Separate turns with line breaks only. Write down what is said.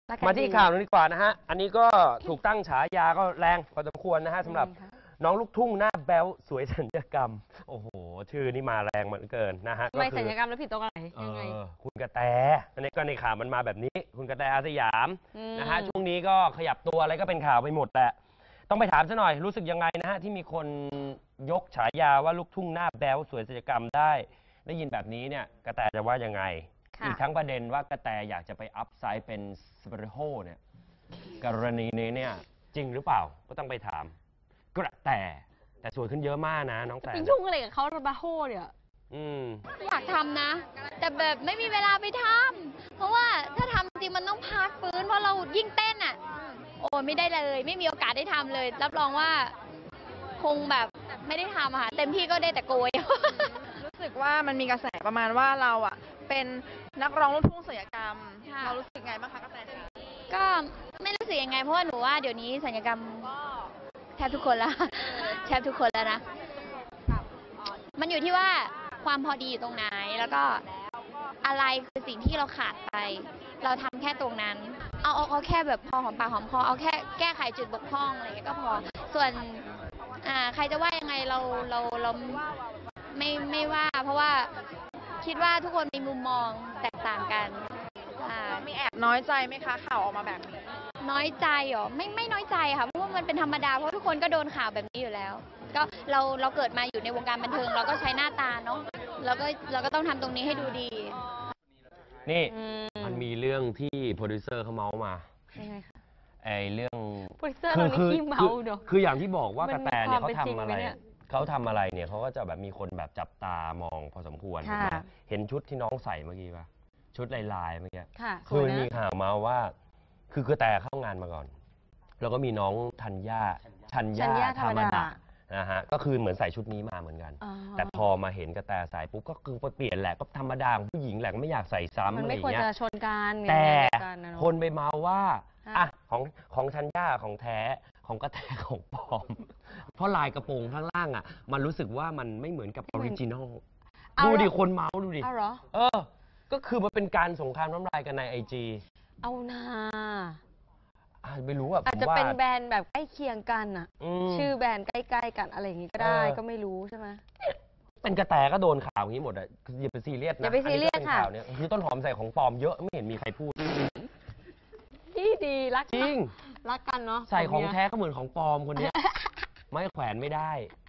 มาที่ข่าวนี้ดีกว่านะฮะอันนี้ก็ถูกตั้งฉายาก็แรงพอสมควรนะฮะสำหรับน้องลูกทุ่งหน้าแบ๊วสวยสัญญกรรมโอ้โหชื่อนี่มาแรงเหมือนเกินนะฮะ
ไม่สัญญกรรมแล้วผิดตรงไหนยังไง
คุณกระแตอันนี้ก็ในข่าวมันมาแบบนี้คุณกระแตอาสยามนะฮะช่วงนี้ก็ขยับตัวอะไรก็เป็นข่าวไปหมดแหละต้องไปถามซะหน่อยรู้สึกยังไงนะฮะที่มีคนยกฉายาว่าลูกทุ่งหน้าแบ๊วสวยสัญญกรรมได้ยินแบบนี้เนี่ยกระแตจะว่ายังไงอีกทั้งประเด็นว่ากระแตอยากจะไปอัพไซด์เป็นสเปรโฮเนี่ยกรณีนี้เนี่ยจริงหรือเปล่าก็ต้องไปถามกระแตสวยขึ้นเยอะมากนะน้องแต่
ไปยุ่งอะไรกับเขาสเปรโฮเนี่ย
อยากทำนะแต่แบบไม่มีเวลาไปทำเพราะว่าถ้าทำจริงมันต้องพักฟื้นเพราะเรายิ่งเต้นอ่ะโอ้ไม่ได้เลยไม่มีโอกาสได้ทำเลยรับรองว่าคงแบบไม่ได้ทำอะค่ะเต็มที่ก็ได้แต่โกย
รู้สึกว่ามันมีกระแสประมาณว่าเราอ่ะเป็นนักร้องลูกทุ่งศัลยกรรมเรารู้สึกไงบ้างคะกระแส
ก็ไม่รู้สึกยังไงเพราะว่าหนูว่าเดี๋ยวนี้ศัลยกรรมแทบทุกคนแล้วแทบทุกคนแล้วนะมันอยู่ที่ว่าความพอดีอยู่ตรงไหนแล้วก็อะไรคือสิ่งที่เราขาดไปเราทำแค่ตรงนั้นเอาแค่แบบพอหอมปากหอมคอเอาแค่แก้ไขจุดบกพร่องอะไรก็พอส่วนใครจะว่ายังไงเราไม่ว่าเพราะว่าคิดว่าทุกคนมีมุมมองแตกต่างกัน
มีแอบน้อยใจไหมคะข่าวออกมาแบบนี้
น้อยใจเหรอไม่น้อยใจค่ะเพราะว่ามันเป็นธรรมดาเพราะทุกคนก็โดนข่าวแบบนี้อยู่แล้วก็เราเกิดมาอยู่ในวงการบันเทิงเราก็ใช้หน้าตาเนาะเราก็ต้องทำตรงนี้ให้ดูดี
นี่มันมีเรื่องที่โปรดิวเซอร์เขาเมาส์มา
ยังไงคะ
เรื่อง
โปรดิวเซอร์เราขี้เมาเนอะ
คืออย่างที่บอกว่ากระแตเนี่ยเขาทำอะไรเนี่ยเขาก็จะแบบมีคนแบบจับตามองพอสมควรเห็นชุดที่น้องใส่เมื่อกี้ป่ะชุดลายเมื่อกี้คือมีข่าวมาว่าคือกระแตเข้างานมาก่อนแล้วก็มีน้องชัญญาธรรมดานะฮะก็คือเหมือนใส่ชุดนี้มาเหมือนกันแต่พอมาเห็นกระแตใส่ปุ๊บก็คือเปลี่ยนแหละก็ธรรมดาของผู้หญิงแหละก็ไม่อยากใส่ซ้ำอะไรอย่างเงี้ย
มันไม่ควรจะชนกัน
แต่คนไปเมาว่าของชัญญาของแท้ของกระแตของปลอมเพราะลายกระโปรงข้างล่างอ่ะมันรู้สึกว่ามันไม่เหมือนกับออริจินอลดูดิคนเมาดูดิก็คือมันเป็นการสงครามน้ำลายกันในIG
เอานา
ไม่รู้อ่ะ
อาจจะเป็นแบรนด์แบบใกล้เคียงกันอ่ะชื่อแบรนด์ใกล้ๆกันอะไรอย่างงี้ก็ได้ก็ไม่รู้ใช่ไหม
เป็นกระแตก็โดนข่าวอย่างนี้หมดอ่ะอย่าไปซีเรียสนะ
อย่าไปซีเรียสค่ะ
คือต้นหอมใส่ของปลอมเยอะไม่เห็นมีใครพูด
ที่ดีรัก
จริง
รักกันเนาะ
ใส่ของแท้ก็เหมือนของปลอมคนนี้ไม่แขวนไม่ได้